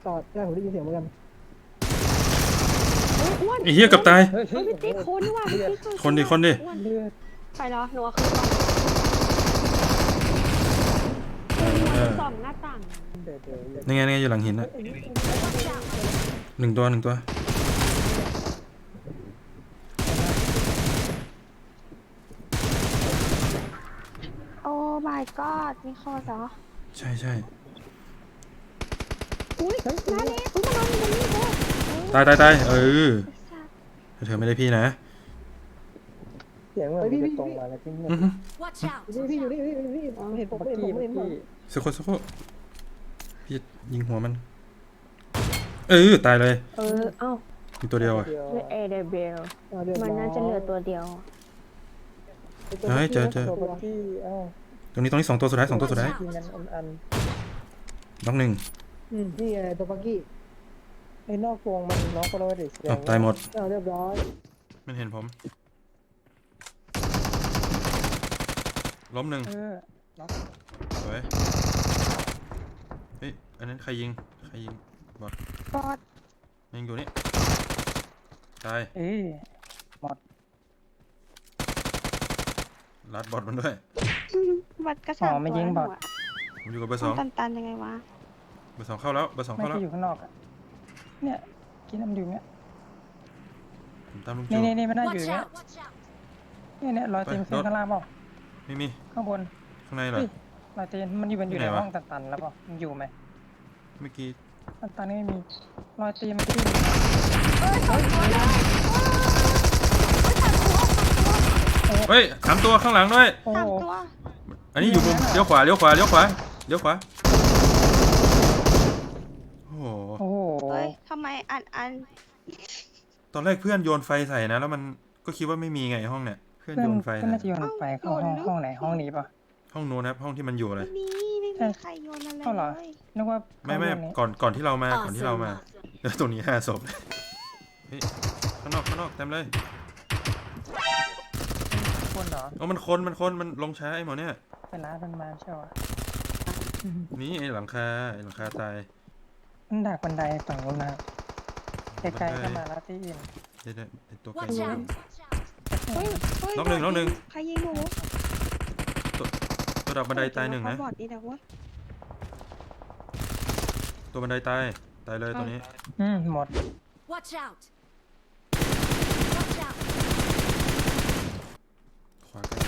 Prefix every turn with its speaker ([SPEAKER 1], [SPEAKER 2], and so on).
[SPEAKER 1] จอดได้ผมได้ยินเสียงเหมือนกัน
[SPEAKER 2] อ้วน
[SPEAKER 3] ไอ้เหี้ยเกับตาย
[SPEAKER 1] เฮ้ย
[SPEAKER 2] เฮ้ยพี่ติ๊กคนว่ะพี่ติ๊ก
[SPEAKER 3] คนดิ
[SPEAKER 2] อ้วน
[SPEAKER 1] เลือด
[SPEAKER 2] ใช่เหรอหนูเอาขึ้นก่อนส่องหน้าต่าง
[SPEAKER 1] เดือด
[SPEAKER 3] นี่ไงนี่ไงอยู่หลังหินนะหนึ่งตัว
[SPEAKER 2] โอ้ my god มีคอเหรอ
[SPEAKER 3] ใช่
[SPEAKER 2] อุ้ยมาเลยอุ้ยมานอนอยู่ตรงนี้เลย
[SPEAKER 3] ตายเธอไม่ได้พี่นะ
[SPEAKER 1] เสียงเหมือนจะตรงมาแล้วที่เนี่ย
[SPEAKER 4] Watch out!
[SPEAKER 1] พี่อยู่นี่พี่เห็นผมเห็นผมเห็นผม
[SPEAKER 3] สักคนพี่ยิงหัวมันตายเลย
[SPEAKER 2] เอ้า
[SPEAKER 3] มีตัวเดียวอ่ะ
[SPEAKER 2] เอเดเบลมันน่าจะเหลือตัวเดียว
[SPEAKER 3] เฮ้ยเจอ
[SPEAKER 1] ตัวพี่อ้าว
[SPEAKER 3] ตรงนี้2ตัวสุดท้าย2ตัวสุดท้าย
[SPEAKER 1] กินกันอัน
[SPEAKER 3] น็อกหนึ่ง
[SPEAKER 1] นี่ไงตัวปักกี้ไอ้นอกวงมันน้องก็เลยเด็กแสดง
[SPEAKER 3] ตายหมด
[SPEAKER 1] เรียบร้อย
[SPEAKER 3] มันเห็นผมล้มหนึ่งสวยเฮ้ยอันนั้นใครยิงบอด
[SPEAKER 2] บอด
[SPEAKER 3] ยิงอยู่นี่ตาย ลัดบอดมันด้วย
[SPEAKER 2] บัดกระสับไม่ยิงบอด
[SPEAKER 3] ผมอยู่กับเบอร์ 2
[SPEAKER 2] ตันยังไงวะ
[SPEAKER 3] เบอร์ 2เข้าแล้ว
[SPEAKER 5] ไม่
[SPEAKER 3] เบอร์ 2เข้าแล้ว
[SPEAKER 5] ที่อยู่ข้างนอกอ่ะเนี่ยกินน้ำดื่มเนี่ย
[SPEAKER 3] ผมตามลุง
[SPEAKER 5] นี่
[SPEAKER 3] จู
[SPEAKER 5] นี่ไม่ได้อยู่
[SPEAKER 4] Watch
[SPEAKER 5] เนี่ย
[SPEAKER 4] out!
[SPEAKER 5] เนี่ยรอยตีนขึ้นข้างล่างเปล่า
[SPEAKER 3] ไม่มี
[SPEAKER 5] ข้างบน
[SPEAKER 3] ข้างในเหรอ
[SPEAKER 5] รอยตีนมันอยู่ใน
[SPEAKER 3] ไหนวะ
[SPEAKER 5] ห้องตันๆแล้วเปล่ามันอยู่ไหม
[SPEAKER 3] เมื่อกี้
[SPEAKER 5] ตันๆนี่ไม่มีรอยตีนมันที่
[SPEAKER 3] เฮ้ย3ตัวข้างหลังด้วย
[SPEAKER 5] โอ้
[SPEAKER 2] สาม
[SPEAKER 5] โห
[SPEAKER 2] ตัว
[SPEAKER 3] อันนี้อยู่มุมเลี้ยวขวาโอ้โห
[SPEAKER 5] โอ้โห
[SPEAKER 2] เฮ้ยทำไมอัน
[SPEAKER 3] ตอนแรกเพื่อนโยนไฟใส่นะแล้วมันก็คิดว่าไม่มีไงห้องเนี่ยเพื่อน
[SPEAKER 5] เพื่อน
[SPEAKER 3] โยนไฟ
[SPEAKER 5] เพื่อน
[SPEAKER 3] ใส่
[SPEAKER 5] น่าจะโยนไฟเข้าห้องไหนห้องนี้ป่ะ
[SPEAKER 3] ห้องโน้นครับห้องที่มันอยู่เลย
[SPEAKER 2] นี่ไม่มีใครโยนอะไร
[SPEAKER 5] เข้าเหรอ
[SPEAKER 2] เลย
[SPEAKER 5] นึกว่า
[SPEAKER 3] ไม่
[SPEAKER 5] เข้าห้องนี้
[SPEAKER 3] ก่อนที่เรามา
[SPEAKER 4] Awesome!
[SPEAKER 3] แล้วตรงนี้5 ศพเฮ้ยข้างนอกเต็มเลย
[SPEAKER 5] คนเหรอ
[SPEAKER 3] มันลงช้าไอ้หมอเนี่ย
[SPEAKER 5] เป็นร้านมันมาใช่ป่ะ
[SPEAKER 3] นี่ไอ้หลังคาตาย
[SPEAKER 5] มันดักบันไดฝั่งนู้นนะไกลๆก็มาแล้วที่อิน
[SPEAKER 3] เดี๋ยวไอ้ตัวไกล
[SPEAKER 4] Watch out!
[SPEAKER 2] เฮ้ยเฮ้ย
[SPEAKER 3] น็อกหนึ่ง
[SPEAKER 2] ใครยิงหนู
[SPEAKER 3] ตัวดักบันไดตายหนึ่งนะ
[SPEAKER 2] บอดนี่นะวะ
[SPEAKER 3] ตัวบันไดตายเลยตัวนี้
[SPEAKER 5] หมด
[SPEAKER 4] Watch out! Watch out!
[SPEAKER 3] ขวาใกล้